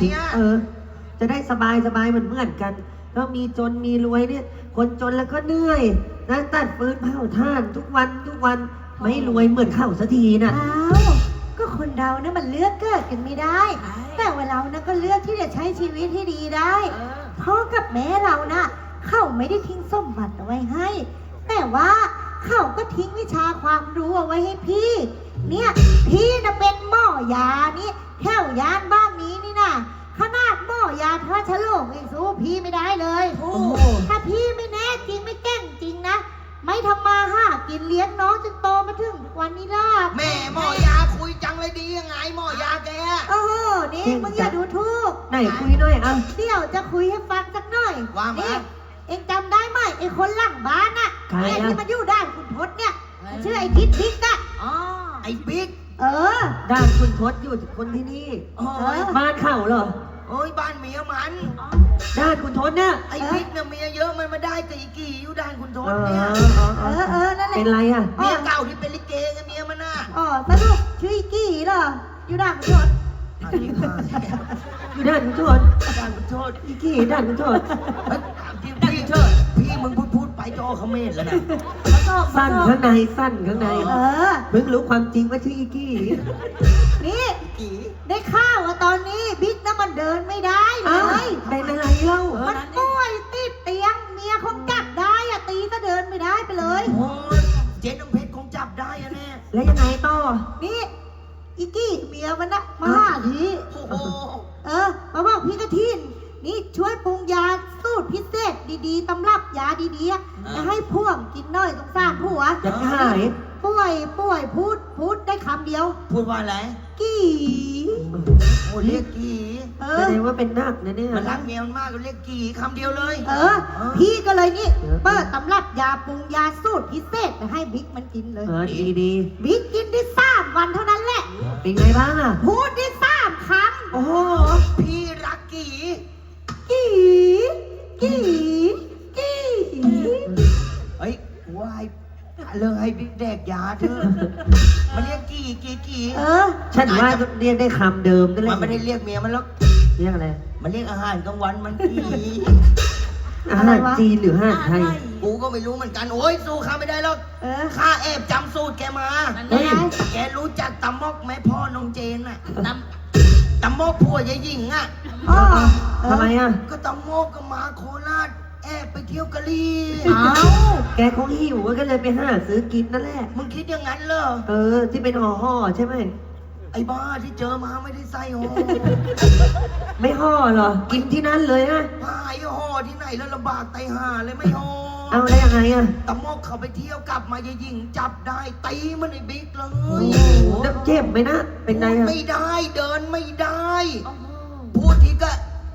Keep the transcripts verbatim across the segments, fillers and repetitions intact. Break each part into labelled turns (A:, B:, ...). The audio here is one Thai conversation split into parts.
A: อ่ะ
B: เออ จะได้สบายสบายเหมือนเหมือนกันก็มีจนมีรวยเนี่ย คนจนแล้วก็เหนื่อยนะตัดฟืนเผาถ่านทุกวันทุกวันไม่รวยเหมือนเข้าสักทีนะ
C: อ้าวก็คนเรานะมันเลือกเกิดกันไม่ได้ แต่ว่าเรานะก็เลือกที่จะใช้ชีวิตให้ดีได้พ่อกับแม่เรานะเขาไม่ได้ทิ้งสมบัติเอาไว้ให้ แต่ว่าเขาก็ทิ้งวิชาความรู้เอาไว้ให้พี่ เนี่ยพี่นะเป็นหมอยานี่แถวยานบ้านนี้นี่นะขนาดหมอยาพระชโลกเองสู้พี่ไม่ได้เลย
B: โอ้โห
C: ถ้าพี่ไม่แน่จริงไม่เก่งจริงนะไม่ทำมาหากินเลี้ยงน้องจนโตมาถึงวันนี้ล่ะ
A: แม่หมอยาคุยจังเลยดียังไงหมอยาแก
C: โอ้โหนี่มึงอย่าดูถูก
B: ไหนคุยหน่อยอ่ะ
C: เดี๋ยวจะคุยให้ฟังสักหน่อย
A: ว่ามา
C: นี่เอ็งจำได้ไหมไอ้คนหลังบ้านน่ะ
B: ใคร
C: ไอ้
B: อ่ะ
C: ที่มันอยู่ด้านคุณทศเนี่ยมันชื่อไอ้ทิศทิศอะ
A: อ๋อไอ้บิ๊ก
C: เออ
B: ด้านคุณทศอยู่คนที่นี่
A: โอ้ย
B: บ้านเขาเหรอ
A: โอ้ยบ้านเมียมัน
B: ด้านคุณทศเนี่ย
A: ไอ้บิ๊กเนี่ยเมียเยอะมันมาได้กับอีกี่อยู่ด้านคุณท
B: เอ
A: ศ
B: อ
A: เนี่ย
C: เออเออนั่นแหละ
B: เป็นไรอ่ะ
A: เมียเก่าที่เป็นลิเกไงเมียมันน่ะ
C: อ๋อสรุปชื่อไอ้กี่เหรออยู่ด้านคุณทศ
A: อ่ะจริงมาก
B: อยู่ด้านคุณทศ
A: ด้านคุณทศ
B: อีกกี่ด้านคุณทศ
A: เฮ้ยพี่พี่เชิดพี่มึงพูดพูดไปจอเขมรแล้วนะ
C: มาชอบ
B: สั้นข้างในสั้นข้างใน
C: เออ
B: เพิ่งรู้ความจริงว่าชื่ออีกกี่
C: นี่
A: กี่
C: ได้ข่าวว่าตอนนี้บิ๊กน่ะมันเดินไม่ได้เล
B: อ้าวย เป็นอะไรเล่า
C: มันป่วยติดเตียงเมียคงจับได้อะตีก็เดินไม่ได้ไปเลย
A: โอ้ยเจ๊น้ำเพชรคงจับได้อะแน่
B: แล้วยังไงต่อ
C: นี่อีกี้เมียมันนะมาหาพี่
A: โอ้โห
C: เออมาบอกพี่กระทินนี่ช่วยปรุงยาสูตรพิเศษดีๆตำรับยาดีๆอะจะให้พ่วงกินหน่อยสงสารผัว
B: จะหาย
C: ป่วยป่วยพูดพูดได้คำเดียว
A: พูดว่าอะไร
C: กี่
A: โอ้เรียกกี่
C: เอ
B: แส
C: อ
B: ดงว่าเป็นนักนะเนี่ย
A: มันรักเมียมันมากก็เรียกกี่คำเดียวเลย
C: เออ พี่ก็เลยนี่เปิดตำรับยาปรุงยาสูตรพิเศษไปให้บิ๊กมันกินเลย
B: เออดีดี
C: บิ๊กกินได้สามวันเท่านั้นแหละ
B: ๆเป็นไงบ้างอ่ะ
C: พูดได้สามค
B: โอ้โห
A: พี่รักกี่
C: ำกี่กี่กี่
A: เฮ้ยว่าให้เลิกให้บิ๊กแดกยาเถอะมันเรียกกี่กี่กี่
C: เออ
B: ฉันว่าเรียกได้คำเดิมนั่นแห
A: มั
B: ละ
A: นไม่ได้เรียกเมียมันแล้ว
B: เรียกอะไร
A: มันเรียกอาหารกลางวันมันกี่
B: อาหารจีนหรืออาหารไทย
A: กูก็ไม่รู้เหมือนกันโอ้ยสู้ข้าไม่ได้หรอก
C: เออ
A: ข้าแอบจำสูตรแกมา
B: เฮ้ย
A: แกรู้จักตำมอกไหมพ่อน้องเจนน่ะตำตำมอกผัวยายหญิงอ่ะ
C: อ๋อเออ
B: ทำไมอ่ะ
A: ก็ตำมอกก็มาโคราชแอบไปเที่ยวกะลี
C: เอา
B: แกคงหิวก็เลยไปหาซื้อกินนั่นแหละ
A: มึงคิดอย่างนั้นเหรอ
B: เออ ที่เป็นห่อห่อๆใช่ไหม
A: ไอ้บ้าที่เจอมาไม่ได้ใส่ห่อ
B: ไม่ห่อเหรอ กินที่นั่นเลยฮะ
A: หายห่อที่ไหนแล้วลำบากไตห่าเลยไม่ห่อ
B: เอาได้ยังไงอ่ะ
A: ตำมอกเขาไปเที่ยวกลับมายายหญิงจับได้ตีมันไอ้บิ๊กเล
B: โอ้
A: ย
B: โหแล้วเจ็บไหมนะ เป็นไงอ่ะ
A: ไม่ได้เดินไม่ได้ พูดทีก็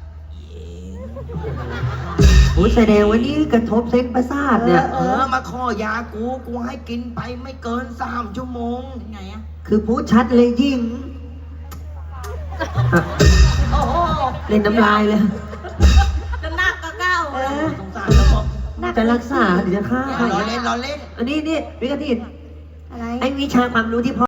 B: โอ้ยแสดงว่านี่กระทบเส้นประสาทเนี่ย
A: เออมาขอยากูกูให้กินไปไม่เกินสามชั่วโมงไงอะ
B: คือพูดชัดเลยยิ่งอ่ะ
A: โอ้โห
B: เล่นน้ำลายเลย
A: จะนักก็เก้า
C: เออ
A: สงสารแล้วบอก
B: จะรักษาหรือจะฆ่า
A: รอเล่นรอเล่น
B: อันนี้นี่วิกฤต
C: อะไร
B: ไอ้วิชาความรู้ที่พ่อ